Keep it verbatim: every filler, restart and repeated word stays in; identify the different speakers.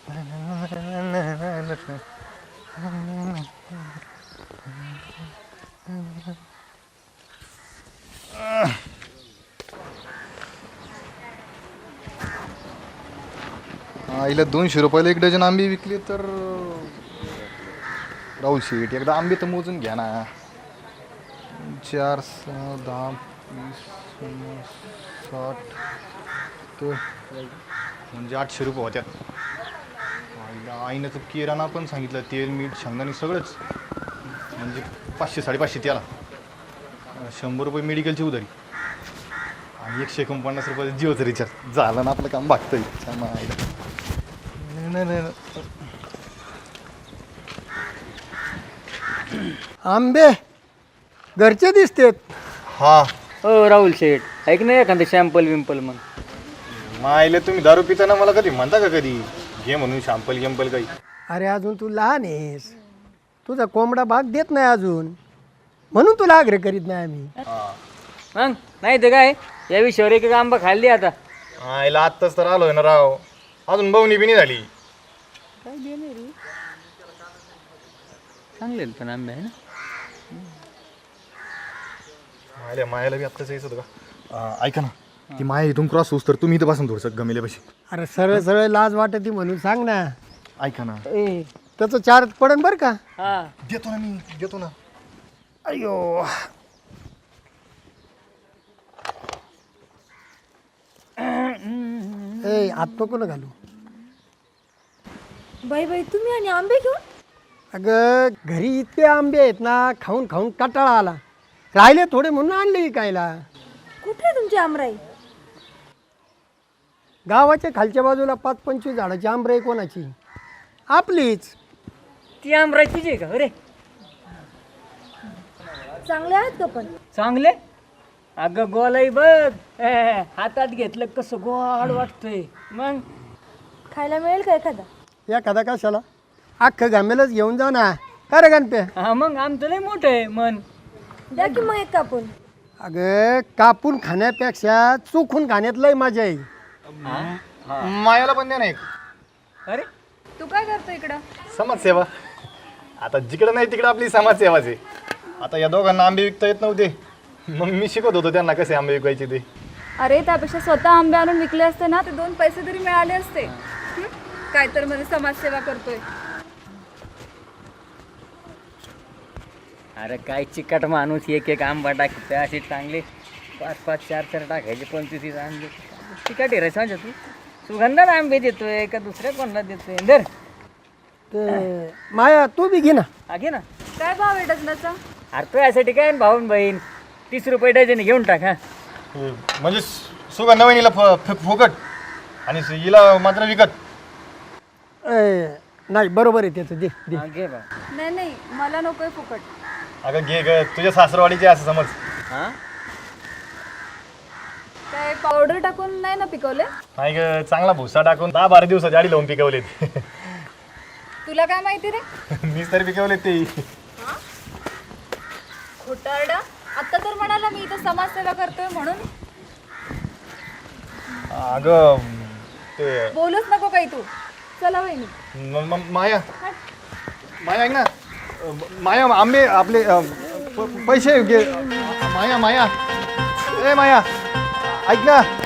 Speaker 1: आईला दोनशे रुपयाला एक डझन आंबे विकले तर राहुल शेठ एकदा आंबे तर मोजून घ्या ना. चार सहा दहा वीस पन्नास साठ तर म्हणजे आठशे रुपये होत्या. आईला आईनं तर किराणा पण सांगितलं, तेल मीठ शेंगदाणे सगळंच म्हणजे पाचशे साडेपाचशे त्याला, शंभर रुपये मेडिकलची उधारी आणि एकशे एकोणपन्नास रुपये जिओचं रिचार्ज. झालं ना आपलं काम भागतंय. छान आईला नाही नाही
Speaker 2: आंबे घरचे दिसतेत.
Speaker 1: हा
Speaker 3: हो राहुल शेठ, ऐक ना एखादं शॅम्पल विम्पल मग.
Speaker 1: मायले तुम्ही दारू पिताना मला कधी म्हणता का कधी घे म्हणून शॅम्पल गिम्पल काही?
Speaker 2: अरे अजून तू लहान आहेस, तुझा कोंबडा भाग देत नाही अजून, म्हणून तुला आग्रह करीत नाही आम्ही.
Speaker 3: मग नाही तर काय, या विषयावर एक एक आंबा खाल्ली आता.
Speaker 1: आईला आत्ताच तर आलोय ना राव, अजून बवणी बिनी झाली.
Speaker 3: काय देणे रे, चांगले पण आंबे आहे ना.
Speaker 1: मायला मायाला बी आत्ताच यायचं होतं का? ऐका ना, ती माया इथून क्रॉस होस तर तुम्ही इथं बसून थोडंसं गमेल्या पैसे.
Speaker 2: अरे सरळ सरळ लाज वाटते म्हणून सांग ना.
Speaker 1: ऐका ना,
Speaker 3: ए,
Speaker 2: त्याचं चार्ज पडन बरं का.
Speaker 3: हा
Speaker 1: देतो ना मी, देतो ना.
Speaker 2: अयो ए आत नको ना घालू.
Speaker 4: बाई बाई तुम्ही आणि आंबे घेऊन?
Speaker 2: अगं घरी इतके आंबे आहेत ना, खाऊन खाऊन कंटाळा आला, राहिले थोडे म्हणून आणले विकायला.
Speaker 4: कुठे आहे तुमची आमराई?
Speaker 2: गावाच्या खालच्या बाजूला पाच पंचवीस झाडाची आंबराई कोणाची? आपलीच.
Speaker 3: ती आंबराई तुझी आहे का? अरे
Speaker 4: चांगले आहेत का पण?
Speaker 3: चांगले. अगं गोलाई बघ, ए, हातात घेतलं कसं गोड वाटतंय. मग
Speaker 4: खायला मिळेल का एखादा?
Speaker 2: एखादा कशाला, अख्खं घामेलच घेऊन जा ना. का रे गणपे?
Speaker 3: हा मग आमचं लय मोठं आहे मन.
Speaker 4: द्या की मग एक कापून.
Speaker 2: अगं कापून खाण्यापेक्षा चुकून खाण्यात लय मजा आहे.
Speaker 1: मायाला पण द्या ना एक.
Speaker 3: अरे
Speaker 4: तू काय करतो इकडं?
Speaker 1: समाजसेवा. आता जिकडं नाही तिकडं आपली समाजसेवाच आहे. आता या दोघांना आंबे विकता येत नव्हते, मग मी शिकत होतो त्यांना कसे आंबे विकायचे ते.
Speaker 5: अरे त्यापेक्षा स्वतः आंबे आणून विकले असते ना, ते दोन पैसे तरी मिळाले असते. हं? काय तर मध्ये समाजसेवा करतोय.
Speaker 3: अरे काय चिकट माणूस, एक एक आंबा टाकते असे चांगले पाच पाच चार चार टाकायचे, पंचवीस आंबे चिकट आहे रे. सांग तू सुगंधात आंबे देतोय का दुसऱ्या कोणाला देतोय? दर
Speaker 2: ते माया तू बी घे ना.
Speaker 3: हा घे ना.
Speaker 5: काय भाव आहे डझनाचा?
Speaker 3: अरे तो यासाठी काय भाऊन बहीण तीस रुपये डझन घेऊन टाक. हा
Speaker 1: म्हणजे सुगंधा वहिनीला फ- फ- फुकट आणि हिला मात्र विकत.
Speaker 2: ए, नाही बरोबर आहे त्याचं, दे दे.
Speaker 3: हा, घे बा.
Speaker 5: नाही नाही, मला नकोय फुकट.
Speaker 1: अगं घे ग, तुझ्या सासरवाडीचे असं समज.
Speaker 3: हा
Speaker 5: काय पावडर टाकून नाही ना पिकवले?
Speaker 1: नाही ग, चांगला भुसा टाकून दहा बारा दिवसाची आडी लावून पिकवलेत.
Speaker 5: तुला काय माहिती रे?
Speaker 1: मीच तरी पिकवलेत ते.
Speaker 5: खोटारडा. आता तर म्हणाला मी इथं समाजसेवा करतोय म्हणून.
Speaker 1: अगं ते
Speaker 5: बोलूच नको काही तू. चला वहिनी.
Speaker 1: म- म- माया माया ऐक ना, माया आंबे आपले अ, प- पैसे घे. माया माया ए माया ऐक ना.